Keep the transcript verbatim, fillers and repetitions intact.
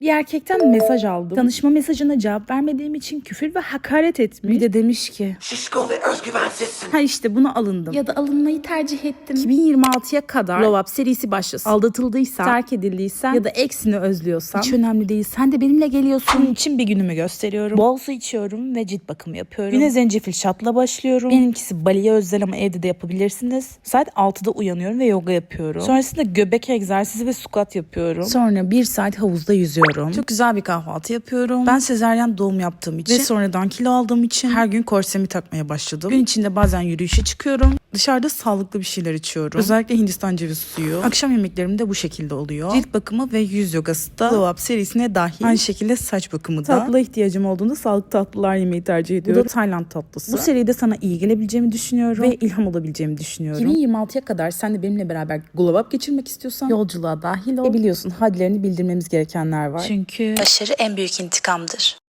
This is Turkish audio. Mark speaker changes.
Speaker 1: Bir erkekten mesaj aldım. Tanışma mesajına cevap vermediğim için küfür ve hakaret etmiş. Bir de demiş ki
Speaker 2: Şişko ve özgüvensizsin.
Speaker 1: ha işte buna alındım. Ya da alınmayı tercih ettim. iki bin yirmi altıya kadar Glow Up serisi başlasın. Aldatıldıysan, terk edildiysen ya da eksini özlüyorsan hiç önemli değil. Sen de benimle geliyorsun. Bunun için bir günümü gösteriyorum. Bol su içiyorum ve cilt bakımı yapıyorum. Güne zencefil şatla başlıyorum. Benimkisi Bali'ye özel ama evde de yapabilirsiniz. Saat altıda uyanıyorum ve yoga yapıyorum. Sonrasında göbek egzersizi ve squat yapıyorum. Sonra bir saat havuzda yüzüyorum. Çok güzel bir kahvaltı yapıyorum. Ben sezaryen doğum yaptığım için ve sonradan kilo aldığım için her gün korsemi takmaya başladım. Gün içinde bazen yürüyüşe çıkıyorum. Dışarıda sağlıklı bir şeyler içiyorum. Özellikle Hindistan cevizi suyu. Akşam yemeklerim de bu şekilde oluyor. Cilt bakımı ve yüz yogası da Glow Up serisine dahil. Aynı şekilde saç bakımı da. Tatlıya ihtiyacım olduğunda sağlıklı tatlılar yemeyi tercih ediyorum. Bu da Tayland tatlısı. Bu seride sana iyi gelebileceğimi düşünüyorum ve ilham olabileceğimi düşünüyorum. iki bin yirmi altıya kadar sen de benimle beraber Glow Up geçirmek istiyorsan yolculuğa dahil ol. E biliyorsun hadlerini bildirmemiz gerekenler var. Çünkü
Speaker 3: Başarı en büyük intikamdır.